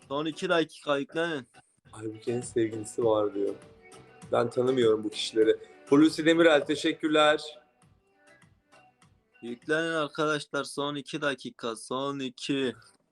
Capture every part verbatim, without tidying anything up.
Son iki dakika yüklenin. Aybüke'nin sevgilisi var diyor. Ben tanımıyorum bu kişileri. Hulusi Demirel teşekkürler. Yüklenin arkadaşlar, son iki dakika. Son iki.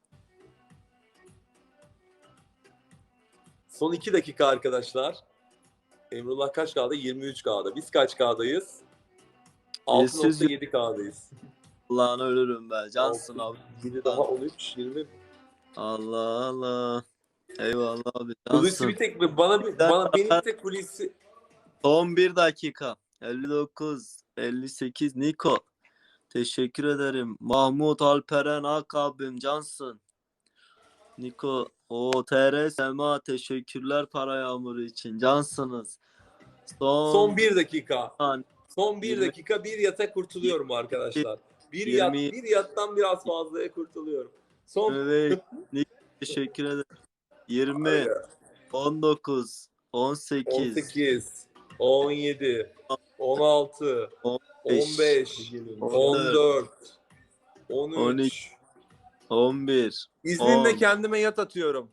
Son iki dakika arkadaşlar. Emrullah kaç K'da? yirmi üç K'da. Biz kaç K'dayız? altı nokta yedi K'dayız. Allah'ını ölürüm be. Cansın abi. yedi daha on üç, yirmi. Allah Allah. Eyvallah abi. Hulusi Cansın. bir tek bana bana benim bir tek Hulusi. Son bir dakika. elli dokuz, elli sekiz. Niko. Teşekkür ederim. Mahmut Alperen Ak abim, cansın. Niko. O T R Sema, teşekkürler para yağmuru için. Cansınız. Son, Son bir dakika. An, Son bir yirmi dakika bir yata kurtuluyorum arkadaşlar. Bir yirmi yat, bir yattan biraz fazlaya kurtuluyorum. Son Evet. Niko, teşekkür ederim. yirmi, on dokuz, on sekiz, on sekiz, on yedi, on altı, on beş, on dört, on üç, on bir, İzninle on, kendime yat atıyorum.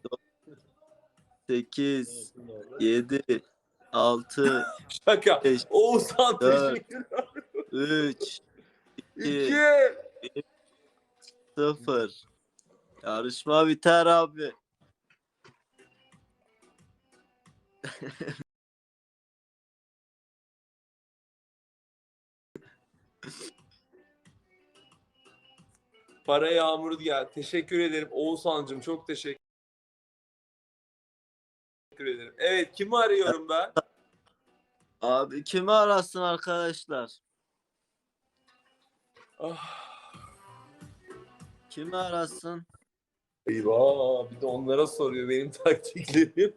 sekiz, yedi, altı, Şaka. beş, Oğuzhan dört, teşekkürler. üç, iki, iki. sıfır. Yarışma biter abi. Para yağmuru gel. Teşekkür ederim Oğuzhan'cığım. Çok teşekkür ederim. Evet, kimi arıyorum ben? Abi kimi arasın arkadaşlar? Ah. Kimi arasın? Eyvah, bir de onlara soruyor benim taktiklerim.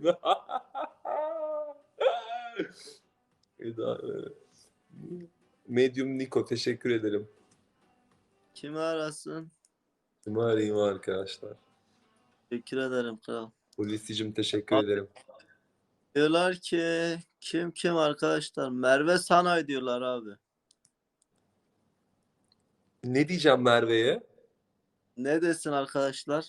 Eda, Medium Niko teşekkür ederim. Kimi arasın? Kimi arayayım arkadaşlar? Teşekkür ederim kral. Polisicim teşekkür Abi, ederim. diyorlar ki kim kim arkadaşlar? Merve Sanay diyorlar abi. Ne diyeceğim Merve'ye? Ne desin arkadaşlar?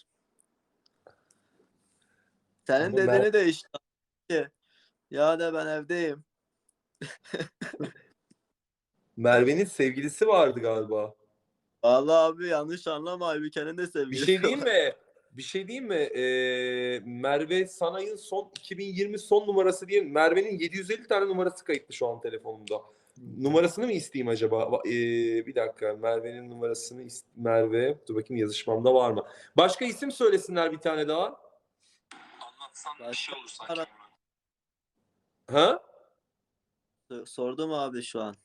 Senin Ama dediğini Mer- de işte. Ya da ben evdeyim. Merve'nin sevgilisi vardı galiba. Vallahi abi yanlış anlama, Aybüke'nin de Bir sevgilisi şey diyeyim var. mi? Bir şey diyeyim mi? Ee, Merve Sanay'ın son iki bin yirmi son numarası diye Merve'nin yedi yüz elli tane numarası kayıtlı şu an telefonumda. Numarasını mı isteyeyim acaba? Ee, bir dakika. Merve'nin numarasını ist- Merve. Dur bakayım yazışmamda var mı? Başka isim söylesinler bir tane daha. Anlatsan bir şey olur sanki. Ara- Ha? Sordum abi şu an.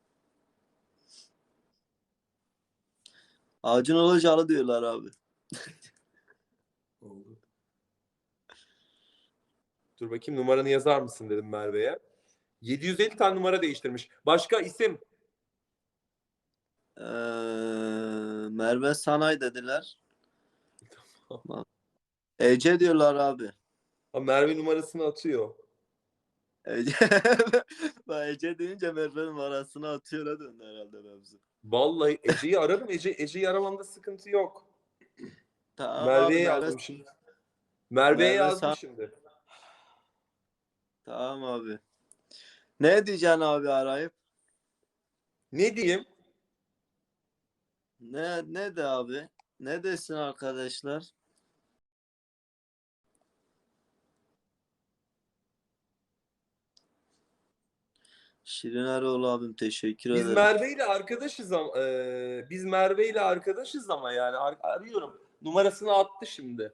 Acun Ilıcalı diyorlar abi. Oldu. Dur bakayım numaranı yazar mısın dedim Merve'ye. yedi yüz elli tane numara değiştirmiş. Başka isim? Ee, Merve Sanay dediler. Ece diyorlar abi. Ha, Merve numarasını atıyor. Ece, Bak, Ece deyince Merve numarasını atıyor, ha döndü herhalde mevzu. Vallahi Ece'yi ararım. Ece, Ece'yi aramamda sıkıntı yok. Tamam Merve'ye abi, Merve, yazdım şimdi. Merve'ye Merve yazdım San- şimdi. Tamam abi. Ne diyeceksin abi arayıp? Ne diyeyim? Ne ne de abi? Ne desin arkadaşlar? Şirin Eroğlu abim, teşekkür Biz ederim. Merve ile arkadaşız ama e, biz Merve ile arkadaşız ama yani ar- arıyorum. Numarasını attı şimdi.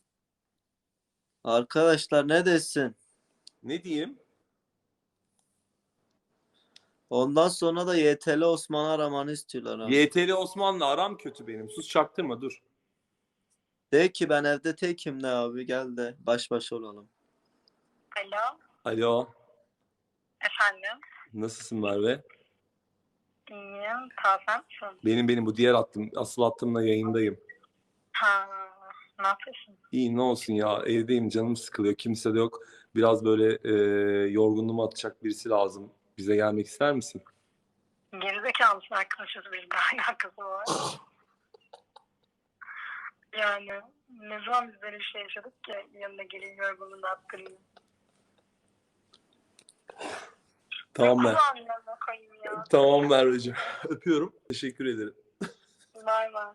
Arkadaşlar ne desin? Ne diyeyim? Ondan sonra da Y T L Osman'ı aramanı istiyorlar abi. Y T L Osman'la aram kötü benim. Sus çaktırma dur. De ki ben evde tekim, ne abi, gel de baş başa olalım. Alo, Alo. efendim. Nasılsın Merve? İyiyim, tazen misin? Benim benim bu diğer hattım. Asıl hattımla yayındayım. Ha, ne yapıyorsun? İyi ne olsun ya evdeyim canım sıkılıyor. Kimse de yok. Biraz böyle e, yorgunluğumu atacak birisi lazım. Bize gelmek ister misin? Gerizekalı mısın arkadaşız, bir de alakası var. Yani Ne zaman biz böyle bir şey yaşadık ki yanına gelin yorgunluğunu attırayım. Tamam Mer. Kulağım yanına koyayım ya. Tamam Merveciğim. Öpüyorum. Teşekkür ederim. Bay bay.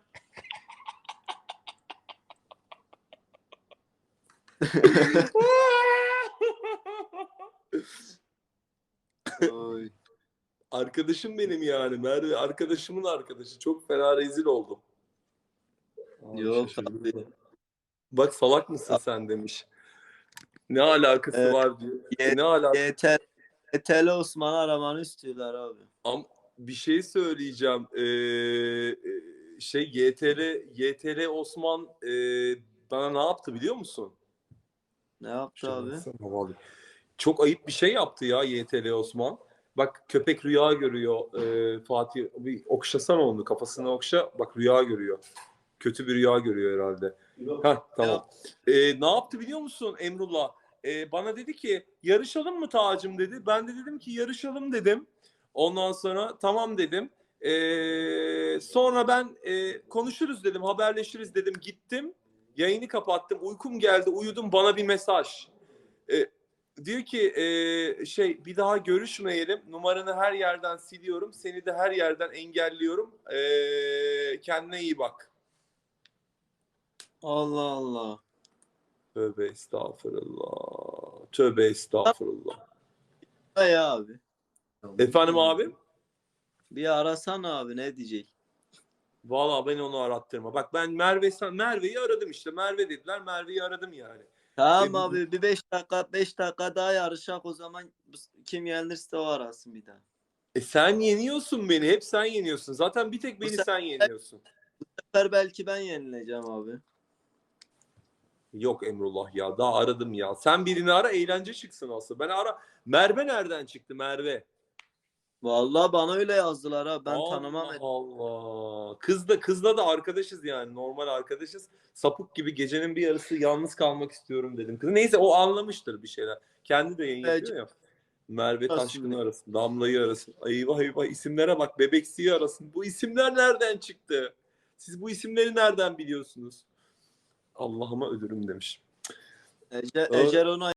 Oy. Arkadaşım benim yani. Merve arkadaşımın arkadaşı. Çok fena rezil oldum. Abi Yok şaşırdım abi. da. Bak salak mısın sen demiş. Ne alakası Evet. var diyor. Ye- Ne alakası? Yeter. Yeterli Osman'ı aramanı istiyorlar abi. Am bir şey söyleyeceğim. Ee, e, şey Y T L Y T L Osman e, bana ne yaptı biliyor musun? Ne yaptı abi? Çok ayıp bir şey yaptı ya Y T L Osman. Bak köpek rüya görüyor. Ee, Fatih bir okşasana onu, kafasını okşa. Bak rüya görüyor. Kötü bir rüya görüyor herhalde. Heh, tamam. Ee, ne yaptı biliyor musun Emrullah? Ee, bana dedi ki yarışalım mı Tacım dedi. Ben de dedim ki yarışalım dedim. Ondan sonra tamam dedim. Ee, sonra ben e, konuşuruz dedim, haberleşiriz dedim. Gittim, yayını kapattım. Uykum geldi, uyudum. Bana bir mesaj. Ee, diyor ki e, şey bir daha görüşmeyelim. Numaranı her yerden siliyorum. Seni de her yerden engelliyorum. Ee, kendine iyi bak. Allah Allah. Tövbe estağfurullah. Tövbe estağfurullah. Hay abi. Efendim abi? Bir arasana abi, ne diyecek? Vallahi ben onu arattırma. Bak ben Merve Merve'yi aradım işte. Merve dediler. Merve'yi aradım yani. Tamam E, abi, bir beş dakika beş dakika daha yarışak, o zaman kim yenilirse o arasın bir daha. E sen yeniyorsun beni. Hep sen yeniyorsun. Zaten bir tek Bu beni sefer- sen yeniyorsun. Bu sefer belki ben yenileceğim abi. Yok Emrullah ya. Daha aradım ya. Sen birini ara, eğlence çıksın aslında. Ben ara. Merve nereden çıktı Merve? Vallahi bana öyle yazdılar ha. Ben Allah tanımam. Allah. Kız da kızla da arkadaşız yani. Normal arkadaşız. Sapık gibi gecenin bir yarısı yalnız kalmak istiyorum dedim. Kız neyse o anlamıştır bir şeyler. Kendi de yayın yapıyor ya. Merve Taşkın'ı arasın. Damla'yı arasın. Eyvah eyvah, isimlere bak. Bebeksi'yi arasın. Bu isimler nereden çıktı? Siz bu isimleri nereden biliyorsunuz? Allah'ıma ölürüm demiş. Ece, Ece onu